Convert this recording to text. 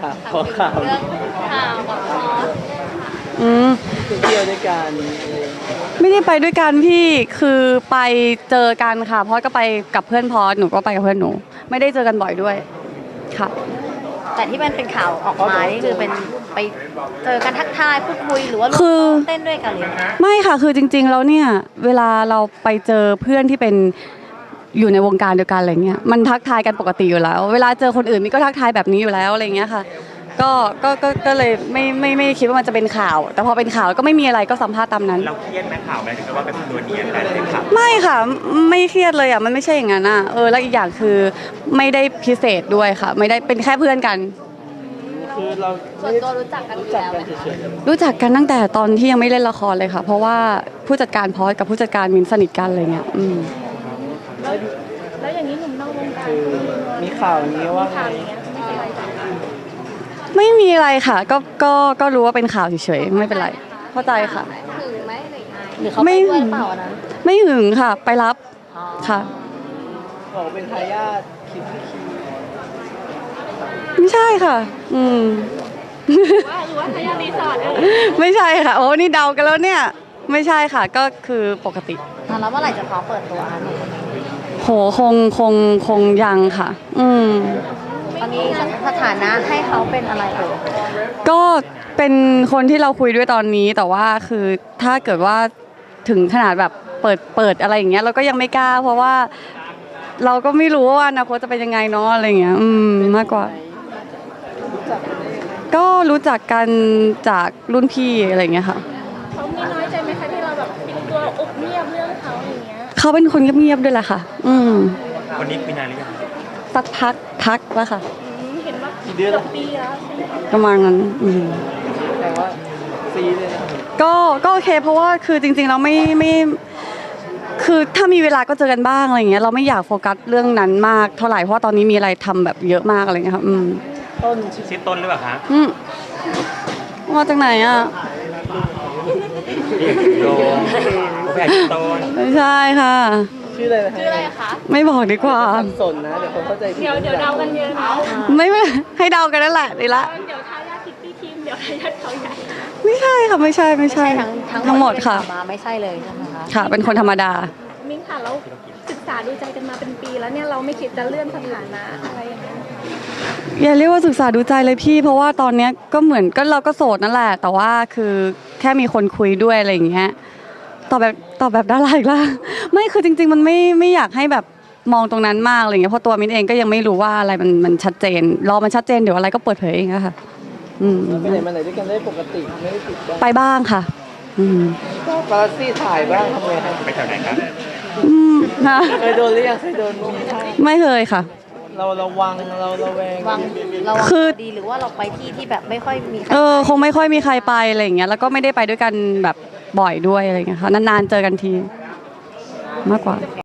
ขอข่าวเรื่องข่าวกับพอสเที่ยวด้วยกันไม่ได้ไปด้วยกันพี่คือไปเจอกันค่ะพอสก็ไปกับเพื่อนพอสหนูก็ไปกับเพื่อนหนูไม่ได้เจอกันบ่อยด้วยค่ะแต่ที่มันเป็นข่าวออกมานี่คือเป็นไปเจอกันทักทายพูดคุยหรือว่าร่วมคือเต้นด้วยกันเลยนะไม่ค่ะคือจริงๆแล้วเนี่ยเวลาเราไปเจอเพื่อนที่เป็นอยู่ในวงการเดียวกันอะไรเงี้ยมันทักทายกันปกติอยู่แล้วเวลาเจอคนอื่นนี่ก็ทักทายแบบนี้อยู่แล้วอะไรเงี้ยค่ะก็เลยไม่คิดว่ามันจะเป็นข่าว แต่พอเป็นข่าวก็ไม่มีอะไรก็สัมภาษณ์ตามนั้นเราเครียดไหมข่าวไหมถึงกับว่าเป็นตัวเนียนกันเป็นข่าวไม่ค่ะไม่เครียดเลยอ่ะมันไม่ใช่อย่างนั้นอ่ะแล้วอีกอย่างคือไม่ได้พิเศษด้วยค่ะ ไม่ได้เป็นแค่เพื่อนกันคือเราส่วนตัวรู้จักกันอยู่แล้วไหมเฉยรู้จักกันตั้งแต่ตอนที่ยังไม่เล่นละครเลยค่ะ เพราะว่าผู้จัดการพอสกับผู้จัดการมินสนิทกันอะไรเงี้ยแล้วอย่างนี้หนุ่มนอกวงการคือมีข่าวนี้ว่าไงข่าวอย่างเงี้ยไม่เป็นไรจ้ะไม่มีอะไรค่ะก็รู้ว่าเป็นข่าวเฉยๆไม่เป็นไรเข้าใจค่ะถึงไหมหรือเขาไปด้วยหรือเปล่าอันนั้นไม่หึงค่ะ ไปรับค่ะบอกเป็นทายาทคิมพี่คิมไม่ใช่ค่ะหรือว่าทายาทรีสอร์ทไม่ใช่ค่ะโอ้นี่เดากันแล้วเนี่ย ไม่ใช่ค่ะก็คือปกติแล้วเมื่อไหร่จะพร้อมเปิดตัวคะหนูโหคงยังค่ะตอนนี้สถานะให้เขาเป็นอะไรเอ่ยก็เป็นคนที่เราคุยด้วยตอนนี้แต่ว่าคือถ้าเกิดว่าถึงขนาดแบบเปิดอะไรอย่างเงี้ยเราก็ยังไม่กล้า เพราะว่าเราก็ไม่รู้ว่าอนาคตจะเป็นยังไงเนาะอะไรอย่างเงี้ยมากกว่า ก็รู้จักกันจากรุ่นพี่อะไรอย่างเงี้ยค่ะเขามีน้อยใจไหมคะที่เราแบบเป็นตัวอุบเงียบเรื่องเขาอย่างเงี้ยเขาเป็นคนเงียบๆด้วยแหละค่ะวันนี้คุยนานหรือยังสักพักแล้วค่ะเห็นว่ากี่เดือนเกืแล้อวบปีแล้วใช่ไหมคะประมาณนั้นแต่ว่าซีเลยนะก็โอเคเพราะว่าคือจริงๆเราไม่คือถ้ามีเวลาก็เจอกันบ้างอะไรอย่างเงี้ยเราไม่อยากโฟกัสเรื่องนั้นมากเท่าไหร่เพราะว่าตอนนี้มีอะไรทำแบบเยอะมากอะไรอย่างเงี้ยค่ะต้นชื่อต้นหรือเปล่าคะมาจากไหนอ่ะโยมแผ่ต้นไม่ใช่ค่ะชื่ออะไรนะชื่ออะไรคะไม่บอกดีกว่าสับสนนะเดี๋ยวคนเข้าใจผิดเดี๋ยวเดากันเยอะนะไม่ให้เดากันนั่นแหละดีละเดี๋ยวทายาทคิตตี้ทีมเดี๋ยวทายาทเขาใหญ่ไม่ใช่ค่ะไม่ใช่ ทั้งหมดค่ะมาไม่ใช่เลยใช่ไหมคะค่ะ เป็นคนธรรมดามิ้งค่ะแล้วศึกษาดูใจกันมาเป็นปีแล้วเนี่ยเราไม่คิดจะเลื่อนสถานะอะไรอย่างเงี้ยอย่าเรียกว่าศึกษาดูใจเลยพี่ เพราะว่าตอนเนี้ยก็เหมือนก็เราก็โสดนั่นแหละ แต่ว่าคือแค่มีคนคุยด้วยอะไรอย่างเงี้ยตอบแบบดาราอีกแล้วไม่คือจริงๆมันไม่อยากให้แบบมองตรงนั้นมากอะไรเงี้ยเพราะตัวมิ้นเองก็ยังไม่รู้ว่าอะไรมันชัดเจนรอมันชัดเจนเดี๋ยวอะไรก็เปิดเผยเองอะค่ะไปไหนมาไหนด้วยกันได้ปกติไม่ได้ติดกันไปบ้างค่ะก็ปาราซี่ถ่ายบ้างทำไงครับไปแถวไหนครับนะเคยโดนหรือยังเคยโดนมีท่าไม่เคยค่ะเราระวังเราระแวงวางเราวางคือดีหรือว่าเราไปที่แบบไม่ค่อยมีใครคงไม่ค่อยมีใครไปอะไรอย่างเงี้ยแล้วก็ไม่ได้ไปด้วยกันแบบบ่อยด้วยอะไรอย่างเงี้ยค่ะนานๆเจอกันทีมากกว่า